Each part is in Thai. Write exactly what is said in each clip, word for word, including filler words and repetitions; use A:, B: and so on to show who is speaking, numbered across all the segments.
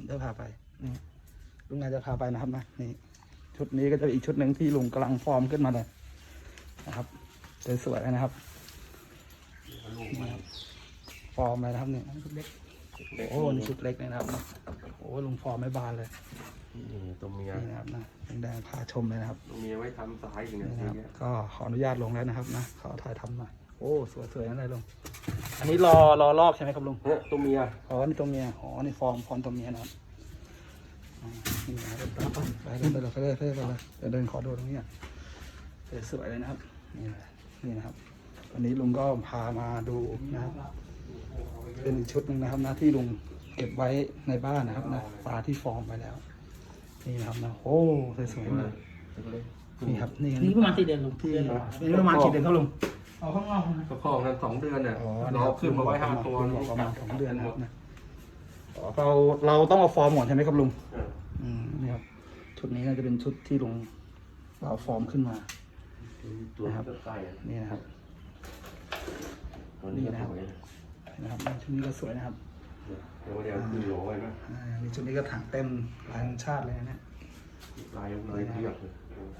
A: จะพาไปนี่ลุงนายจะพาไปนะครับนะนี่ชุดนี้ก็จะอีกชุดหนึ่งที่ลุงกำลังฟอร์มขึ้นมาเลยนะครับสวยๆนะครับฟอร์มเลยนะครับเนี่ยชุดเล็กโอ้นี่ชุดเล็กนะครับโอ้ลุงฟอร์มไม่บานเลย
B: นี่ตัวเมีย
A: นี่นะครับนะแดงพาชมเลยนะครับ
B: ตัวเมียไว้ทำสายอย่างเงี้ย
A: ก็ขออนุญาตลงแล้วนะครับนะขอถ่ายทำมาโอ้สวยๆนั่นเลยลุงอันนี้รอรอลอกใช่ไหมครับลุง
B: เนี่ยตัวเมีย
A: อ๋อนี่ตัวเมียอ๋อนี่ฟอร์มฟอร์มตัวเมียนะครับนี่นะเดินตามไปเดินไปเลยไปเลยไปเลยไปเลยเดินเดินขอดูตรงนี้สวยๆเลยนะครับนี่นี่นะครับวันนี้ลุงก็พามาดูนะครับเป็นชุดหนึ่งนะครับนะที่ลุงเก็บไว้ในบ้านนะครับนะปลาที่ฟอร์มไปแล้วนี่นะครับนะโอ้สวยๆเลยนี่ครับนี่
C: นี่ประมาณสี่เดือนลุง
A: ที่นี่ประมาณกี่เดือนครับลุง
C: เอาข้างนอกนะ
B: ก็พอกันสองเดือนเนี่ยเราขึ้นมาไว้ห้าตัว
A: ประมาณสองเดือนนะครับนะเราเราต้องเอาฟอร์มหมดใช่ไหมครับลุงอืมนี่ครับชุดนี้น่าจะเป็นชุดที่ลุงเราฟอร์มขึ้นมานะครับนี่นะครับนี่นะครับนะครับชุดนี้ก็สวยนะครับ
B: เดี๋ยวเดี๋ยวคือโหลไว้นะ
A: นี่ชุดนี้ก็ถังเต็มลายชาติเลยนะ
B: ลายลายเทียบเลย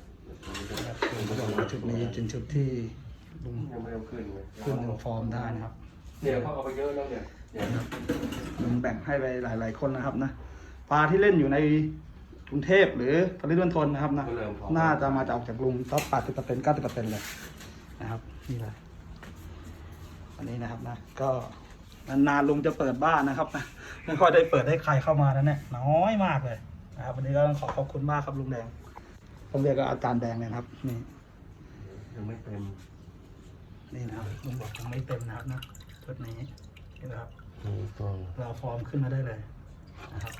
A: ชุดนี้เป็นชุดที่ลุง
B: ยังไม่เอาขึ้นเลย
A: ขึ้นหนึ่งฟอร์มได้นะครับ
B: เนี่ยเขาเอาไปเยอะแล้วเนี่ย
A: ลุงแบ่งให้ไปหลายๆคนนะครับนะปลาที่เล่นอยู่ในกรุงเทพหรือปริมณฑลนะครับนะน่าจะมาจากจากลุงสักแปดสิบเปอร์เซ็นต์เก้าสิบเปอร์เซ็นต์เลยนะครับนี่เลยอันนี้นะครับนะก็นานๆลุงจะเปิดบ้านนะครับนะไม่ค่อยได้เปิดให้ใครเข้ามาแล้วเนี่ยน้อยมากเลยนะครับวันนี้ก็ต้องขอขอบคุณมากครับลุงแดงผมเรียกก็อาจารย์แดงเลยครับนี่
B: ยังไม่เต็ม
A: นี่นะครับลุงบอกยังไม่เต็มนะครับนะชุดนี้นี่นะครับเราฟอร์มขึ้นมาได้เลยนะครับ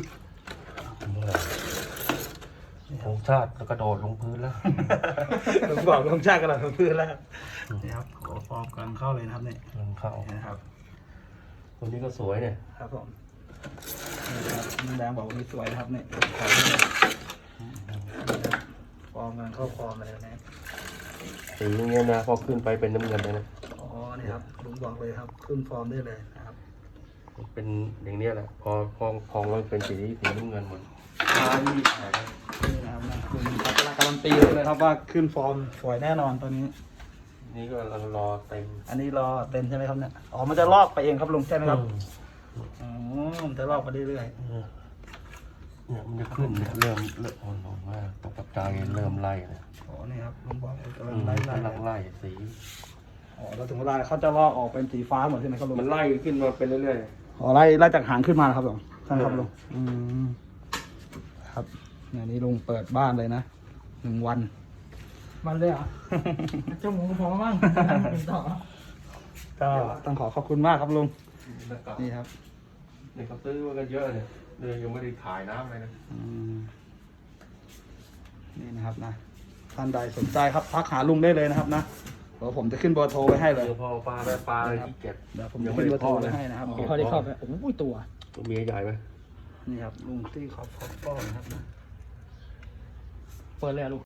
B: โครงชาติแล้วกระโดดลงพื้นแล้ว
A: ลุงบอกลงชาติกระโดดลงพื้นแล้วนี่ครับโอ้ฟอร์มกำลังเข้าเลยนะครับเนี่ย
B: กำลังเข้า
A: นะครับ
B: ตัวนี้ก็สวยเนี่ย
A: ครับผมนี่ครับลุงแดงบอกว่านี่สวยนะครับเนี่ยฟอร์มกำลังเข้าฟอร์มเลยนะ
B: สีอย่างเงี้ยนะพอขึ้นไปเป็นน้ำเงินเลยนะ
A: อ๋อนี่ครับลุงบอกเลยครับขึ้นฟอร์มได้เลยนะครับ
B: เป็นอย่างเนี้ยแหละพอพองพองแล้วเป็นสีสีน้ำเงินหมด
A: อ่านี่นะครับนะคุณการันตีเลยครับว่าขึ้นฟอร์มสวยแน่นอนตัวนี้
B: นี่ก็รอรอเต็ม
A: อันนี้รอเต็มใช่ไหมครับเนี่ยอ๋อมันจะลอกไปเองครับลุงใช่ไหมครับอ๋อมันจะลอกไปเรื่อย
B: ๆเนี่ยมันจะขึ้นเนี่ยเริ่มเริ่มอ่อนๆว่าตกปัจจัยเริ่มไล่เนี่ย
A: อ๋อนี่ครับลุงบอกกำลังไล่ไล่
B: กำลังไล่สี
A: อ๋อแล้วถึงเวลาเขาจะลอกออกเป็นสีฟ้าหมดใช่ไหมครับลุง
B: มันไล่ขึ้นมาเป็นเรื่อย
A: ๆอ๋อไล่ไล่จากหางขึ้นมาครับลุงใช่ครับลุงอืมครับเนี่ยนี่ลุงเปิดบ้านเลยนะหนึ่งวัน
C: มันเลยเหรอเจ้าหมูพอบ้างต่อ
A: ก็ต้องขอขอบคุณมากครับลุงนี่ครับ
B: เนี่ยเขาซื้อมากันเยอะเนี่ยเลยยังไม่ได้ขายน้ำเลยนะ
A: นี่นะครับนะท่านใดสนใจครับทักหาลุงได้เลยนะครับนะเดี๋ยวผมจะขึ้นเบอร์โทรไว้ให้เลย
B: พอปลาได้ปลาที่เก็บ
A: เดี๋ยวผมจะขึ้นเบอร์โทรไว้ให้นะครับ
C: เขาได้เข้าไปโอ้โหตัว
B: ตัวเมียใหญ่ไหม
A: นี่ครับลุงที่ขอบขอบป้อนะครับนะ
C: เปิดเลยลูก